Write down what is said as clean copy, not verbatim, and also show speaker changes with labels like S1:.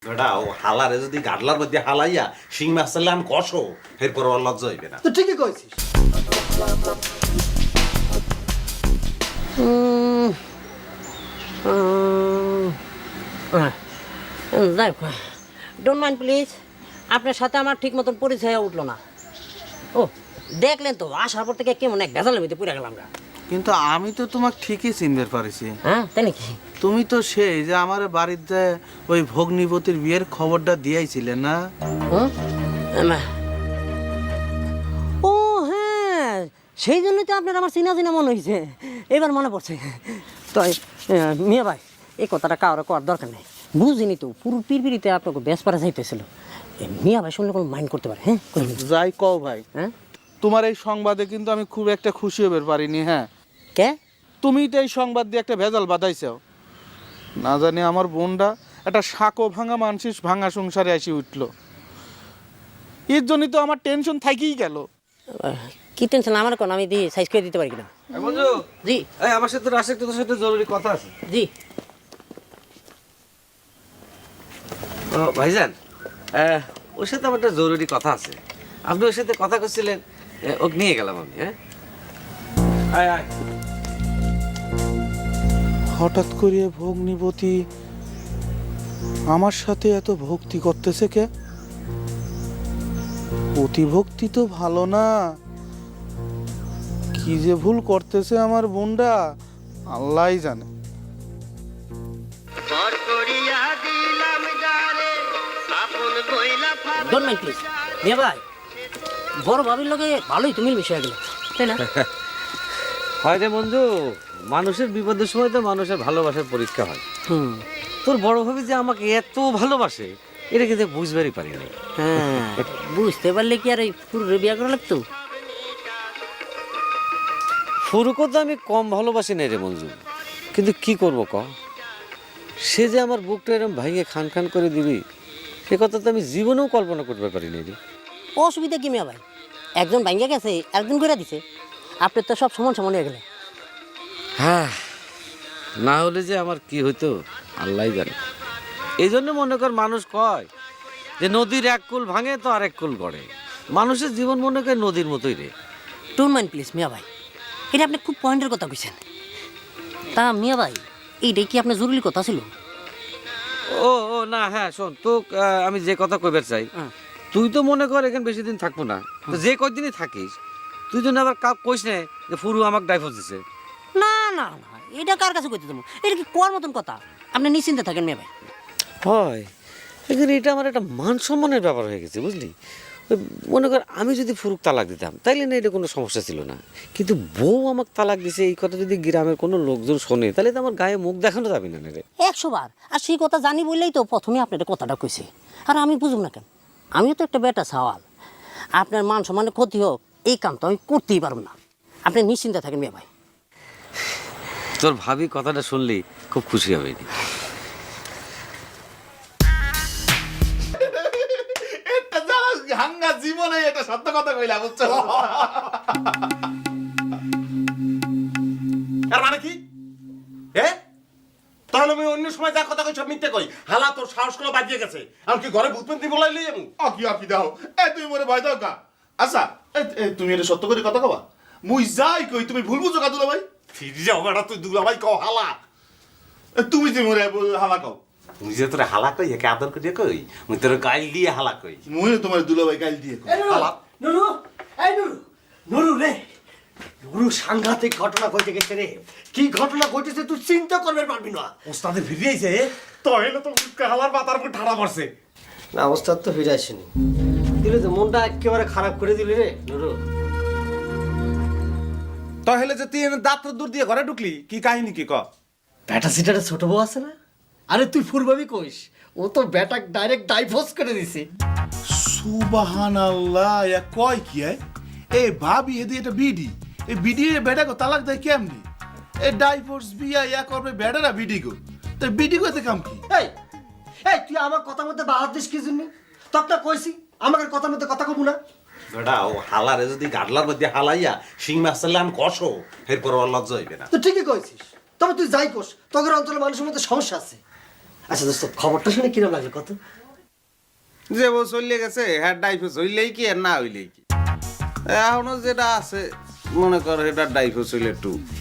S1: বেটা ও হালারে যদি গাডলার মধ্যে হালাইয়া শিং মাছ চাইলে আমি কষো এরপর ওর লজ্জা হইবে না।
S2: তো ঠিকই কইছিস।
S3: ডোন্ট মাইন্ড প্লিজ, আপনার সাথে আমার ঠিক মতন পরিচয় উঠলো না। ও দেখলেন তো, আসার পর থেকে কেমন এক ভেজালের ভিতরে পুড়ে গেলাম।
S4: কিন্তু আমি তো তোমাকে ঠিকই চিনতে পারিছি।
S3: হ্যাঁ তাই নাকি?
S4: তুমি তো সেই যে আমার বাড়িতে ওই ভগ্নিপতির বিয়ের খবরটা দিয়েছিলে না?
S3: ও হ্যাঁ, সেই জন্যই তো আপনার আমার চিনা চিনা মনে হয়েছে, এবার মনে পড়ছে। তাই মিয়া ভাই, এই কথাটা কারো করার দরকার নেই, বুঝিনি তো পুরো পিড়পিড়িতে আপনাকে বেশ পারা যাইতেছিল। মিয়া ভাই শুনলে কোনো মাইন্ড করতে পারে? হ্যাঁ
S4: যাই কও ভাই,
S3: হ্যাঁ
S4: তোমার এই সংবাদে কিন্তু আমি খুব একটা খুশি হতে পারিনি। হ্যাঁ,
S3: কে?
S4: তুমি তো এই সংবাদ দিয়ে একটা ভেজাল বাঁধাইছো। না জানি আমার বোনটা একটা শাকো ভাঙা মানসিক ভাঙা সংসারে এসে উঠলো, এর জন্যই তো আমার টেনশন থাকেই গেল।
S3: কি টেনশন আমার কোন, আমি দিয়ে সাইজ করে দিতে পারি কিনা।
S5: বন্ধু,
S3: জি
S5: এই আমার সাথে রাশেক তোর সাথে জরুরি কথা আছে।
S3: জি।
S5: ও ভাইজান, ওর সাথে আমার একটা জরুরি কথা আছে। আপনি ওর সাথে কথা করছিলেন, ওকে নিয়ে গেলাম আমি। হ্যাঁ, আয় আয়।
S4: হঠাৎ করে ভগ্নিপতি আমার সাথে এত ভক্তি করতেছে কে? অতিভক্তি তো ভালো না, কি যে ভুল করতেছে আমার বোনটা আল্লাহই জানে।
S3: Don't mind please. মিয়া ভাই, বড় ভাবির লগে ভালোই তুমি মিশে গেলে, তাই না?
S5: হয় রে বন্ধু, মানুষের বিপদের সময় তো মানুষের ভালোবাসার পরীক্ষা হয়।
S3: হুম,
S5: তোর বড় ভাবি যে আমাকে এত ভালোবাসে, এটা কিন্তু বুঝবারই পারি না।
S3: হ্যাঁ বুঝতে পারলে কি আর এই পুরো বিয়া করা লাগতো?
S5: ফুরুকও তো আমি কম ভালোবাসি না রে মঞ্জু, কিন্তু কি করব ক, সে যে আমার বুকটা এরকম ভাঙে খান খান করে দিবি, সে কথা তো আমি জীবনেও কল্পনা করতে পারি না রে।
S3: অসুবিধা কি মিয়া ভাই, একজন ভাঙ্গা গেছে একজন করে দিছে, আপনার তো সব সমান সমান হয়ে গেলে।
S5: হ্যাঁ, না হলে যে আমার কি হইতো আল্লাহই জানে। এই জন্য মনে কর মানুষ কয় যে নদীর এক কুল ভাঙে তো আরেক কুল গড়ে। মানুষের জীবন মনে করে নদীর মতোই রে।
S3: ডোন্ট মাইন্ড প্লিজ মিয়া ভাই, এটা আপনি খুব পয়েন্টের কথা কইছেন। তা মিয়া ভাই, এইটাই কি আপনার জরুরি কথা ছিল?
S5: ও ও না, হ্যাঁ শোন তো, আমি যে কথা কইবার চাই, তুই তো মনে কর এখানে বেশি দিন থাকবো না, তো যে কয়দিনই থাকিস তুই জন্য আবার কইস না যে ফুরু আমাকে ডাইভোর্স দিছে।
S3: না না না, এটা কার কাছে কইতে দেবো? এটা কি কোয়ার মতন কথা? আপনি নিশ্চিন্তে থাকেন মিয়া ভাই।
S5: হয়, এখানে এটা আমার একটা মান সম্মানের ব্যাপার হয়ে গেছে, বুঝলি। ওই মনে কর আমি যদি ফুরুক তালাক দিতাম তাইলে না এটা কোনো সমস্যা ছিল না, কিন্তু বউ আমাকে তালাক দিছে এই কথা যদি গ্রামের কোনো লোকজন শোনে তাহলে তো আমার গায়ে মুখ দেখানো যাবে না রে।
S3: 100 বার। আর সেই কথা জানি বললেই তো প্রথমে আপনার কথাটা কইছে। আর আমি বুঝুম না কেন? আমিও তো একটা বেটা সওয়াল, আপনার মান সম্মানের ক্ষতি হোক এই কাম তো আমি করতেই পারব না। আপনি নিশ্চিন্তে থাকেন মিয়া ভাই।
S5: তোর ভাবি কথাটা শুনলি খুব খুশি হবে।
S1: হাঙ্গা জীবনে এটা সত্য কথা কইলা, বুঝছো? আর মানে কি? তাহলে আমি অন্য সময় যা কথা কই সব মিথ্যে কই। হালা তোর সাহস গুলো বাজিয়ে গেছে, আমি কি ঘরে ভূতপন্থী বলাইলি আমি?
S6: আকি দাও তুমি মরে ভয় দাও কা? আচ্ছা তুমি এটা সত্য করে কথা কবা? মুই যাই কই তুমি ভুল বুঝো কাদুলা ভাই?
S1: ফিরে যাও বেটা, তুই দুলা ভাই কও হালা।
S6: তুমি যে মরে হালা কও?
S1: তুই যে তোর হালা কই, একে আদর করিয়া কই, মুই তোর গাইল দিয়ে হালা কই।
S6: মুই তোমার দুলা ভাই গাইল দিয়ে কই।
S1: হালা
S2: নুরু, এই নুরু, নুরু রে, নুরু সাংঘাতিক ঘটনা ঘটে গেছে রে। কি ঘটনা ঘটেছে তুই চিন্তা করবে পারবি না।
S1: ওস্তাদে ফিরে আইছে, তাহলে তো হালার মাথার উপর ঠাড়া পড়ছে।
S2: না ওস্তাদ তো ফিরে আসেনি, দিলে তো মনটা একেবারে খারাপ করে দিলি রে নুরু।
S1: তাহলে যে তুই দাঁত দূর দিয়ে ঘরে ঢুকলি, কি কাহিনী কি ক?
S2: বেটা সিটারে ছোট বউ আছে না, আরে তুই ফুরবাবি কইস, ও তো বেটা ডাইরেক্ট ডাইভোর্স করে দিছে।
S6: সুবহানাল্লাহ, ইয়া কয় কি এ ভাবি এদি এটা বিডি, এই বিডি এর বেটা কো তালাক দেয় কেমনি? এ ডাইভোর্স বিয়া ইয়া করবে বেটারা বিডি গো, তো বিডি কইতে কাম কি?
S2: এই এই তুই আমার কথার মধ্যে বাহার দিস কি জন্য? তখন কইছি আমাকে কথার মধ্যে কথা কব না।
S1: বেটা ও হালারে যদি গাডলার মধ্যে হালাইয়া শিং মাছ চাইলে আমি কষো এরপর ওর লজ্জা হইবে না।
S2: তো ঠিকই কইছিস, তবে তুই যাই কোস, তোদের অঞ্চলের মানুষের মধ্যে সমস্যা আছে। আচ্ছা দোস্ত খবরটা শুনে কিরম লাগলো কত?
S1: যে বউ চলে গেছে হ্যাঁ ডাইভোর্স হইলেই কি আর না হইলেই কি, এখনো যেটা আছে মনে করো এটা ডাইভোর্স হইলে একটু